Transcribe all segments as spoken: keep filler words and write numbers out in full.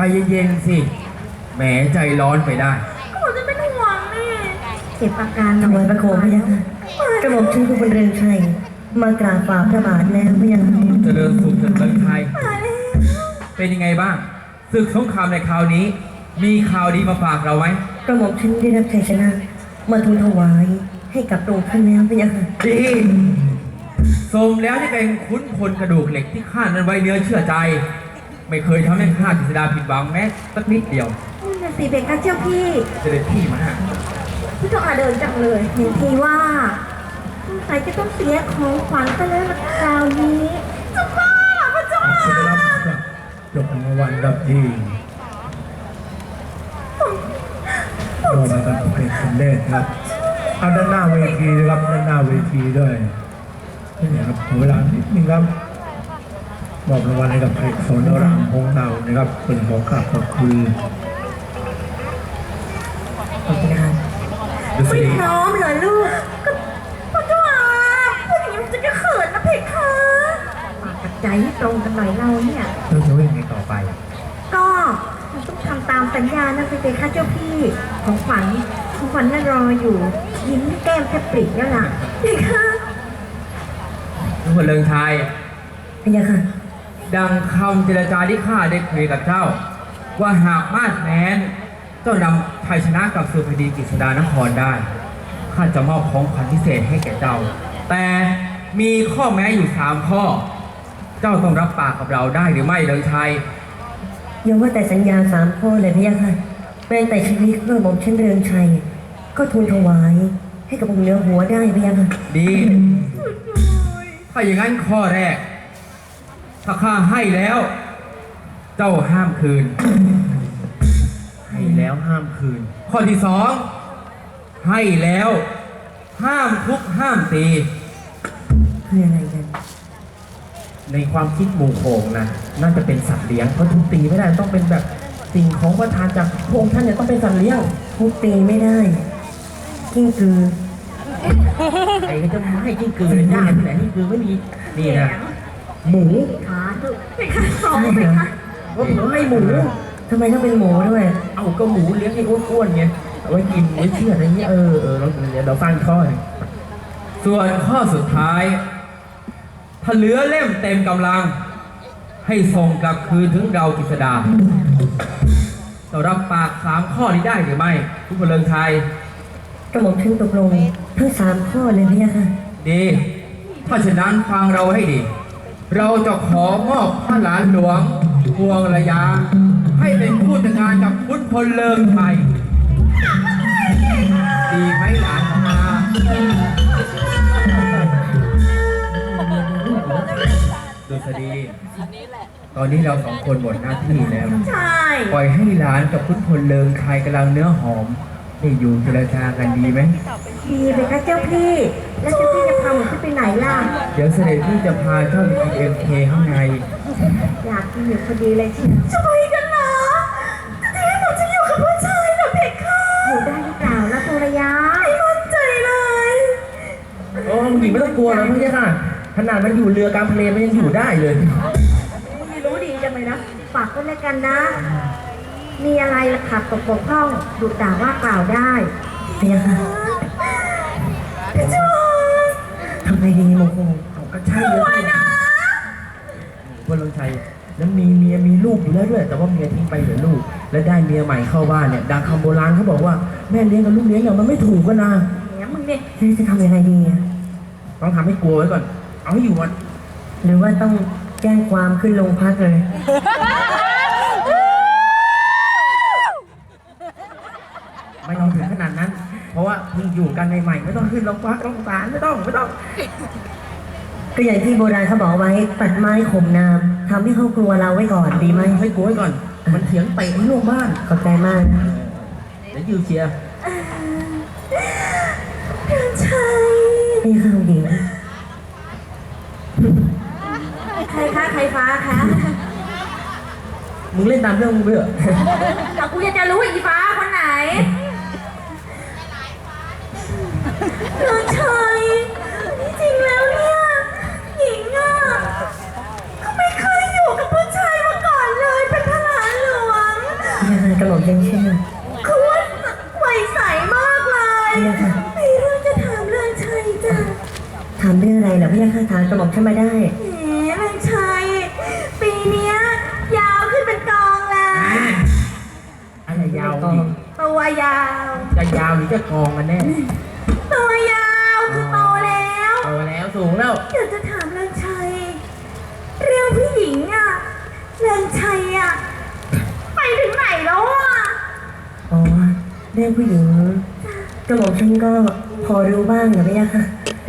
เย็นๆสิแหมใจร้อนไปได้ก็ผมจะเป็นห่วงนี่เก็บอาการถวายพระโคมพระยาค่ะกระหม่อมชื่อผู้บรรเรือนชัยมากราบฝ่าพระบาทแล้วพระยาค่ะเจริญสุขเถิดเมืองไทยเป็นยังไงบ้างศึกสงครามในคราวนี้มีข่าวดีมาฝากเราไหมกระหม่อมชื่อได้รับชัยชนะมาทูลถวายให้กับพระองค์ท่านแล้วพระยาค่ะดีสมแล้วที่เป็นขุนพลกระดูกเหล็กที่ข้านั้นไว้เนื้อเชื่อใจไม่เคยทำให้ข้ากฤษดาผิดหวังแม้สักนิดเดียวนี่สิเบค่ะเจ้าพี่เสด็จพี่มาพี่ต้องอาเดินจังเลยเห็นทีว่าใครจะต้องเสียของขวัญไปแล้วคราวนี้จะบ้าพระเจ้าค่ะจบรางวัลรับที่รอมากันเป็นสำเร็จครับเอาด้านหน้าเวทีนะครับด้านหน้าเวทีด้วยนี่ครับเวลานิดนึงครับมอบรางวัลให้กับเพชรสอนรามพงษ์เนานะครับเป็นขอกราบขอบคุณขอบคุณครับไม่พร้อมเลยลูกก็พระเจ้าค่ะพูดอย่างนี้มันจะจะเขินนะเพคะปากกับใจให้ตรงกันหน่อยเราเนี่ยเราจะวิ่งไงต่อไปก็ต้องทำตามสัญญานะเพคะเจ้าพี่ของขวัญของขวัญน่ารออยู่ยิ้มแก้มแทบปริแล้วล่ะเพคะทุกคนเลิงไทยพระยาค่ะดังคำเจรจาที่ข้าได้คุยกับเจ้าว่าหากมาดแม้นเจ้านำชัยชนะกับสุพดีกฤษดานครได้ข้าจะมอบของขวัญพิเศษให้แก่เจ้าแต่มีข้อแม้อยู่สามข้อเจ้าต้องรับปากกับเราได้หรือไม่เลิงชัยอย่าว่าแต่สัญญาสามข้อเลยพระยาค่ะเป็นแต่ชีวิตเพื่อหม่อมฉันเรืองชัยก็ทูลถวายให้กับองค์เหนือหัวได้พระยาค่ะดีถ้าอย่างนั้นข้อแรกถ้าข้าให้แล้วเจ้าห้ามคืนให้แล้วห้ามคืนข้อที่สองให้แล้วห้ามทุบห้ามตีคืออะไรกันในความคิดหมู่โขงนะน่าจะเป็นสัตว์เลี้ยงเพราะทุบตีไม่ได้ต้องเป็นแบบสิ่งของประทานจากพระองค์ท่านเนี่ยต้องเป็นสัตว์เลี้ยงทุบตีไม่ได้กิ้งกือใครก็จะให้กิ้งกือเลยได้ที่ไหนกิ้งกือไม่มีนี่นะหมูขาดุเป็นขาสองเป็นขาว่าหมูให้หมูทำไมต้องเป็นหมูด้วยเอาก็หมูเลี้ยงให้อ้วนๆไงเอาไว้กินไว้เชื่ออะไรเงี้ยเออเออเราเดี๋ยวเราฟังข้อหนึ่งส่วนข้อสุดท้ายถ้าเหลือเล่มเต็มกำลังให้ส่งกลับคืนถึงเรากฤษดาเรารับปากสามข้อนี้ได้หรือไม่ทุกคนเลิงไทยกระหม่อมฉันตกลงทั้งสามข้อเลยพระยาค่ะดีถ้าฉะนั้นฟังเราให้ดีเราจะขอมอบพระหลานหลวงพวงระยาให้เป็นผู้จัดการกับขุนพลเลิงไทยดีไหมหลานของอาดุษฎีตอนนี้เราสองคนหมดหน้าที่แล้วใช่ปล่อยให้หลานกับขุนพลเลิงไทยกำลังเนื้อหอมนี่อยู่เจรจากันดีไหมดีเลยค่ะเจ้าพี่แล้วเจ้าพี่จะพาหนูไปไหนล่ะเดี๋ยวเสด็จพี่จะพาเจ้าไปกินเอ็มเคข้างในอยากกินอยู่พอดีเลยที่จะไปกันเหรอจะให้หนูจะอยู่กับผู้ชายเหรอเพคะอยู่ได้หรือเปล่านะภรรยาไม่มั่นใจเลยโอ้หญิงไม่ต้องกลัวนะพี่ค่ะขนาดมันอยู่เรือกลางทะเลมันยังอยู่ได้เลยไม่รู้ดีจังเลยนะฝากกันแล้วกันนะมีอะไรขัดตกบกพร่องดุด่าว่ากล่าวได้เพียค่ะพี่จูทำไมดีโมโหเขาก็ใช่เลยนะวันลงชัยแล้วมีเมียมีลูกอยู่แล้วด้วยแต่ว่าเมียทิ้งไปเหลือลูกแล้วได้เมียใหม่เข้าบ้านเนี่ยดังคำโบราณเขาบอกว่าแม่เลี้ยงกับลูกเลี้ยงอย่างมันไม่ถูกกันนะเนี่ยมึงเนี่ยจะทำยังไงดีต้องทำให้กลัวไว้ก่อนเอาให้อยู่วันหรือว่าต้องแจ้งความขึ้นโรงพักเลยไม่ต้องถึงขนาดนั้นเพราะว่าเพิ่งอยู่กันใหม่ๆไม่ต้องขึ้นโรงพักโรงศาลไม่ต้องไม่ต้องก็อย่างที่โบราณเขาบอกไว้ตัดไม้ข่มน้ำทำให้เขากลัวเราไว้ก่อนดีไหมให้กลัวไว้ก่อนมันเถียงเตะให้ลูกบ้านขอบใจมากเดี๋ยวยูเชียร์เดินชัยนี่ข้าวหญิงใครคะใครฟ้าคะมึงเล่นตามเรื่องมึงเบื่อแต่กูอยากจะรู้อีฟ้าคนไหนเดินชัยจริงแล้วเนี่ยหญิงอ่ะก็ไม่เคยอยู่กับผู้ชายมาก่อนเลยเป็นพระหลานหลวงเรื่องอะไรเหรอพี่ยาค่ะถามกระหม่อมฉันมาได้แหมเรื่องชัยปีเนี้ยยาวขึ้นเป็นกองเลยอะไรยาวกองตัวยาวจะยาวหรือจะกองกันแน่ตัวยาวคือโตแล้วโตแล้วสูงแล้วอยากจะถามเรื่องชัยเรื่องผู้หญิงอะเรื่องชัยอะไปถึงไหนแล้วอะอ๋อเรื่องผู้หญิงกระหม่อมฉันก็พอรู้บ้างนะพี่ยาค่ะ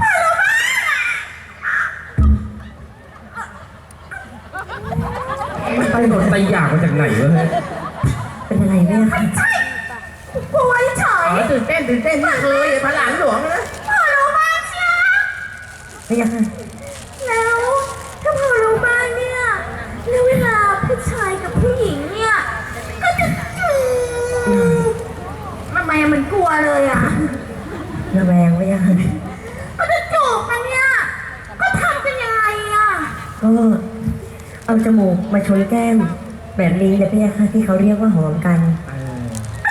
มันไปโดนไตอยากมาจากไหนวะเฮ้ยเป็นอะไรพี่ยาค่ะใช่ป่วยเฉยอ๋อตื่นเต้นตื่นเต้นนี่เคยพระหลานหลวงนะพอรู้บ้างเชียวพี่ยาค่ะแล้วถ้าพอรู้บ้างเนี่ยแล้วเวลาผู้ชายกับผู้หญิงเนี่ยก็จะจูบทำไมมันกลัวเลยอะระแวงพี่ยาค่ะก็จะจูบกันเนี่ยก็ทำกันยังไงอะก็เอาจมูกมาชนแก้มแบบนี้นะพี่ยาค่ะที่เขาเรียกว่าหอมกันเออ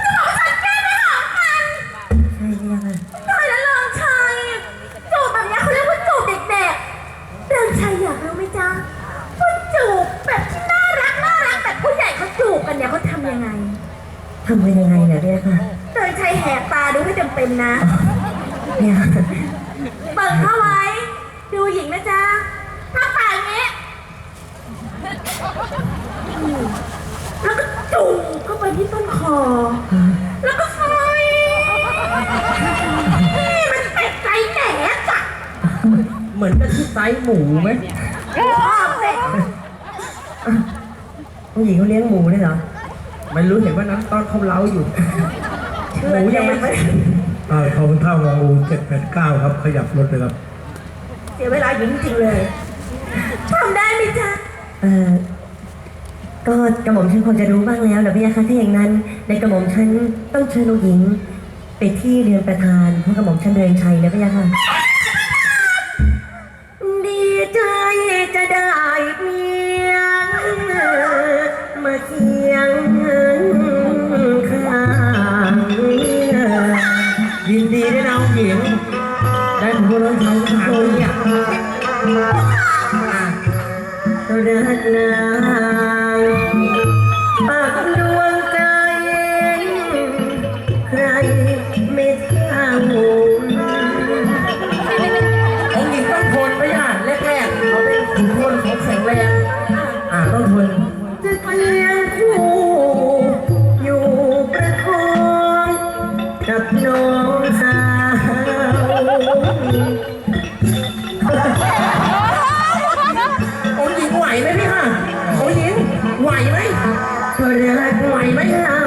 ใช่พี่ยาค่ะตายแล้วเริงชัยจูบแบบเนี้ยเขาเรียกว่าจูบเด็กๆเริงชัยอยากรู้ไหมจ๊ะว่าจูบแบบที่น่ารักน่ารักแบบผู้ใหญ่เขาจูบกันเนี่ยเขาทำยังไงทำเป็นยังไงเนี่ยพี่ยาค่ะเริงชัยแหกตาดูให้จำเป็นนะพี่ยาค่ะเปิดเข้าไว้ ดูหญิงนะจ๊ะถ้าปากอย่างนี้แล้วก็จูบเข้าไปที่ต้นคอ แล้วก็ไฟนี่มันเป็ดใจแหนจ้ะเหมือนกับที่ไซส์หมูไหมชอบเด็กผู้หญิงเขาเลี้ยงหมูด้วยเหรอไม่รู้เห็นว่านั้นตอนเขาเล้าอยู่ หมูยังไม่อ่าขอบคุณท่างองูเจ็ดแปดเก้าครับ ขยับรถเลยครับเสียเวลาหญิงจริงเลยทำได้ไหมจ๊ะเออก็กระหม่อมฉันคงจะรู้บ้างแล้วนะพี่ยาค่ะถ้าอย่างนั้นในกระหม่อมฉันต้องเชิญองค์หญิงไปที่เรือนประธานเพราะกระหม่อมฉันเรือนชัยนะพี่ยาค่ะดีใจจะได้เมียมาเคียงข้างยินดีด้วยนะองค์หญิง ได้ผมก็ร้องเขาถามเนี่ยรักนางปากดวงใจ ใครไม่เท่าองค์หญิงต้องทนไว้ย่าแรกๆเขาเป็นขุนพลเขาแข็งแรง อ่าต้องทนจะเคียงคู่อยู่ประคองกับน้องสาวองค์หญิงไหวไหมพี่ค่ะองค์หญิงไหวไหมก็รักไหวไหมล่ะ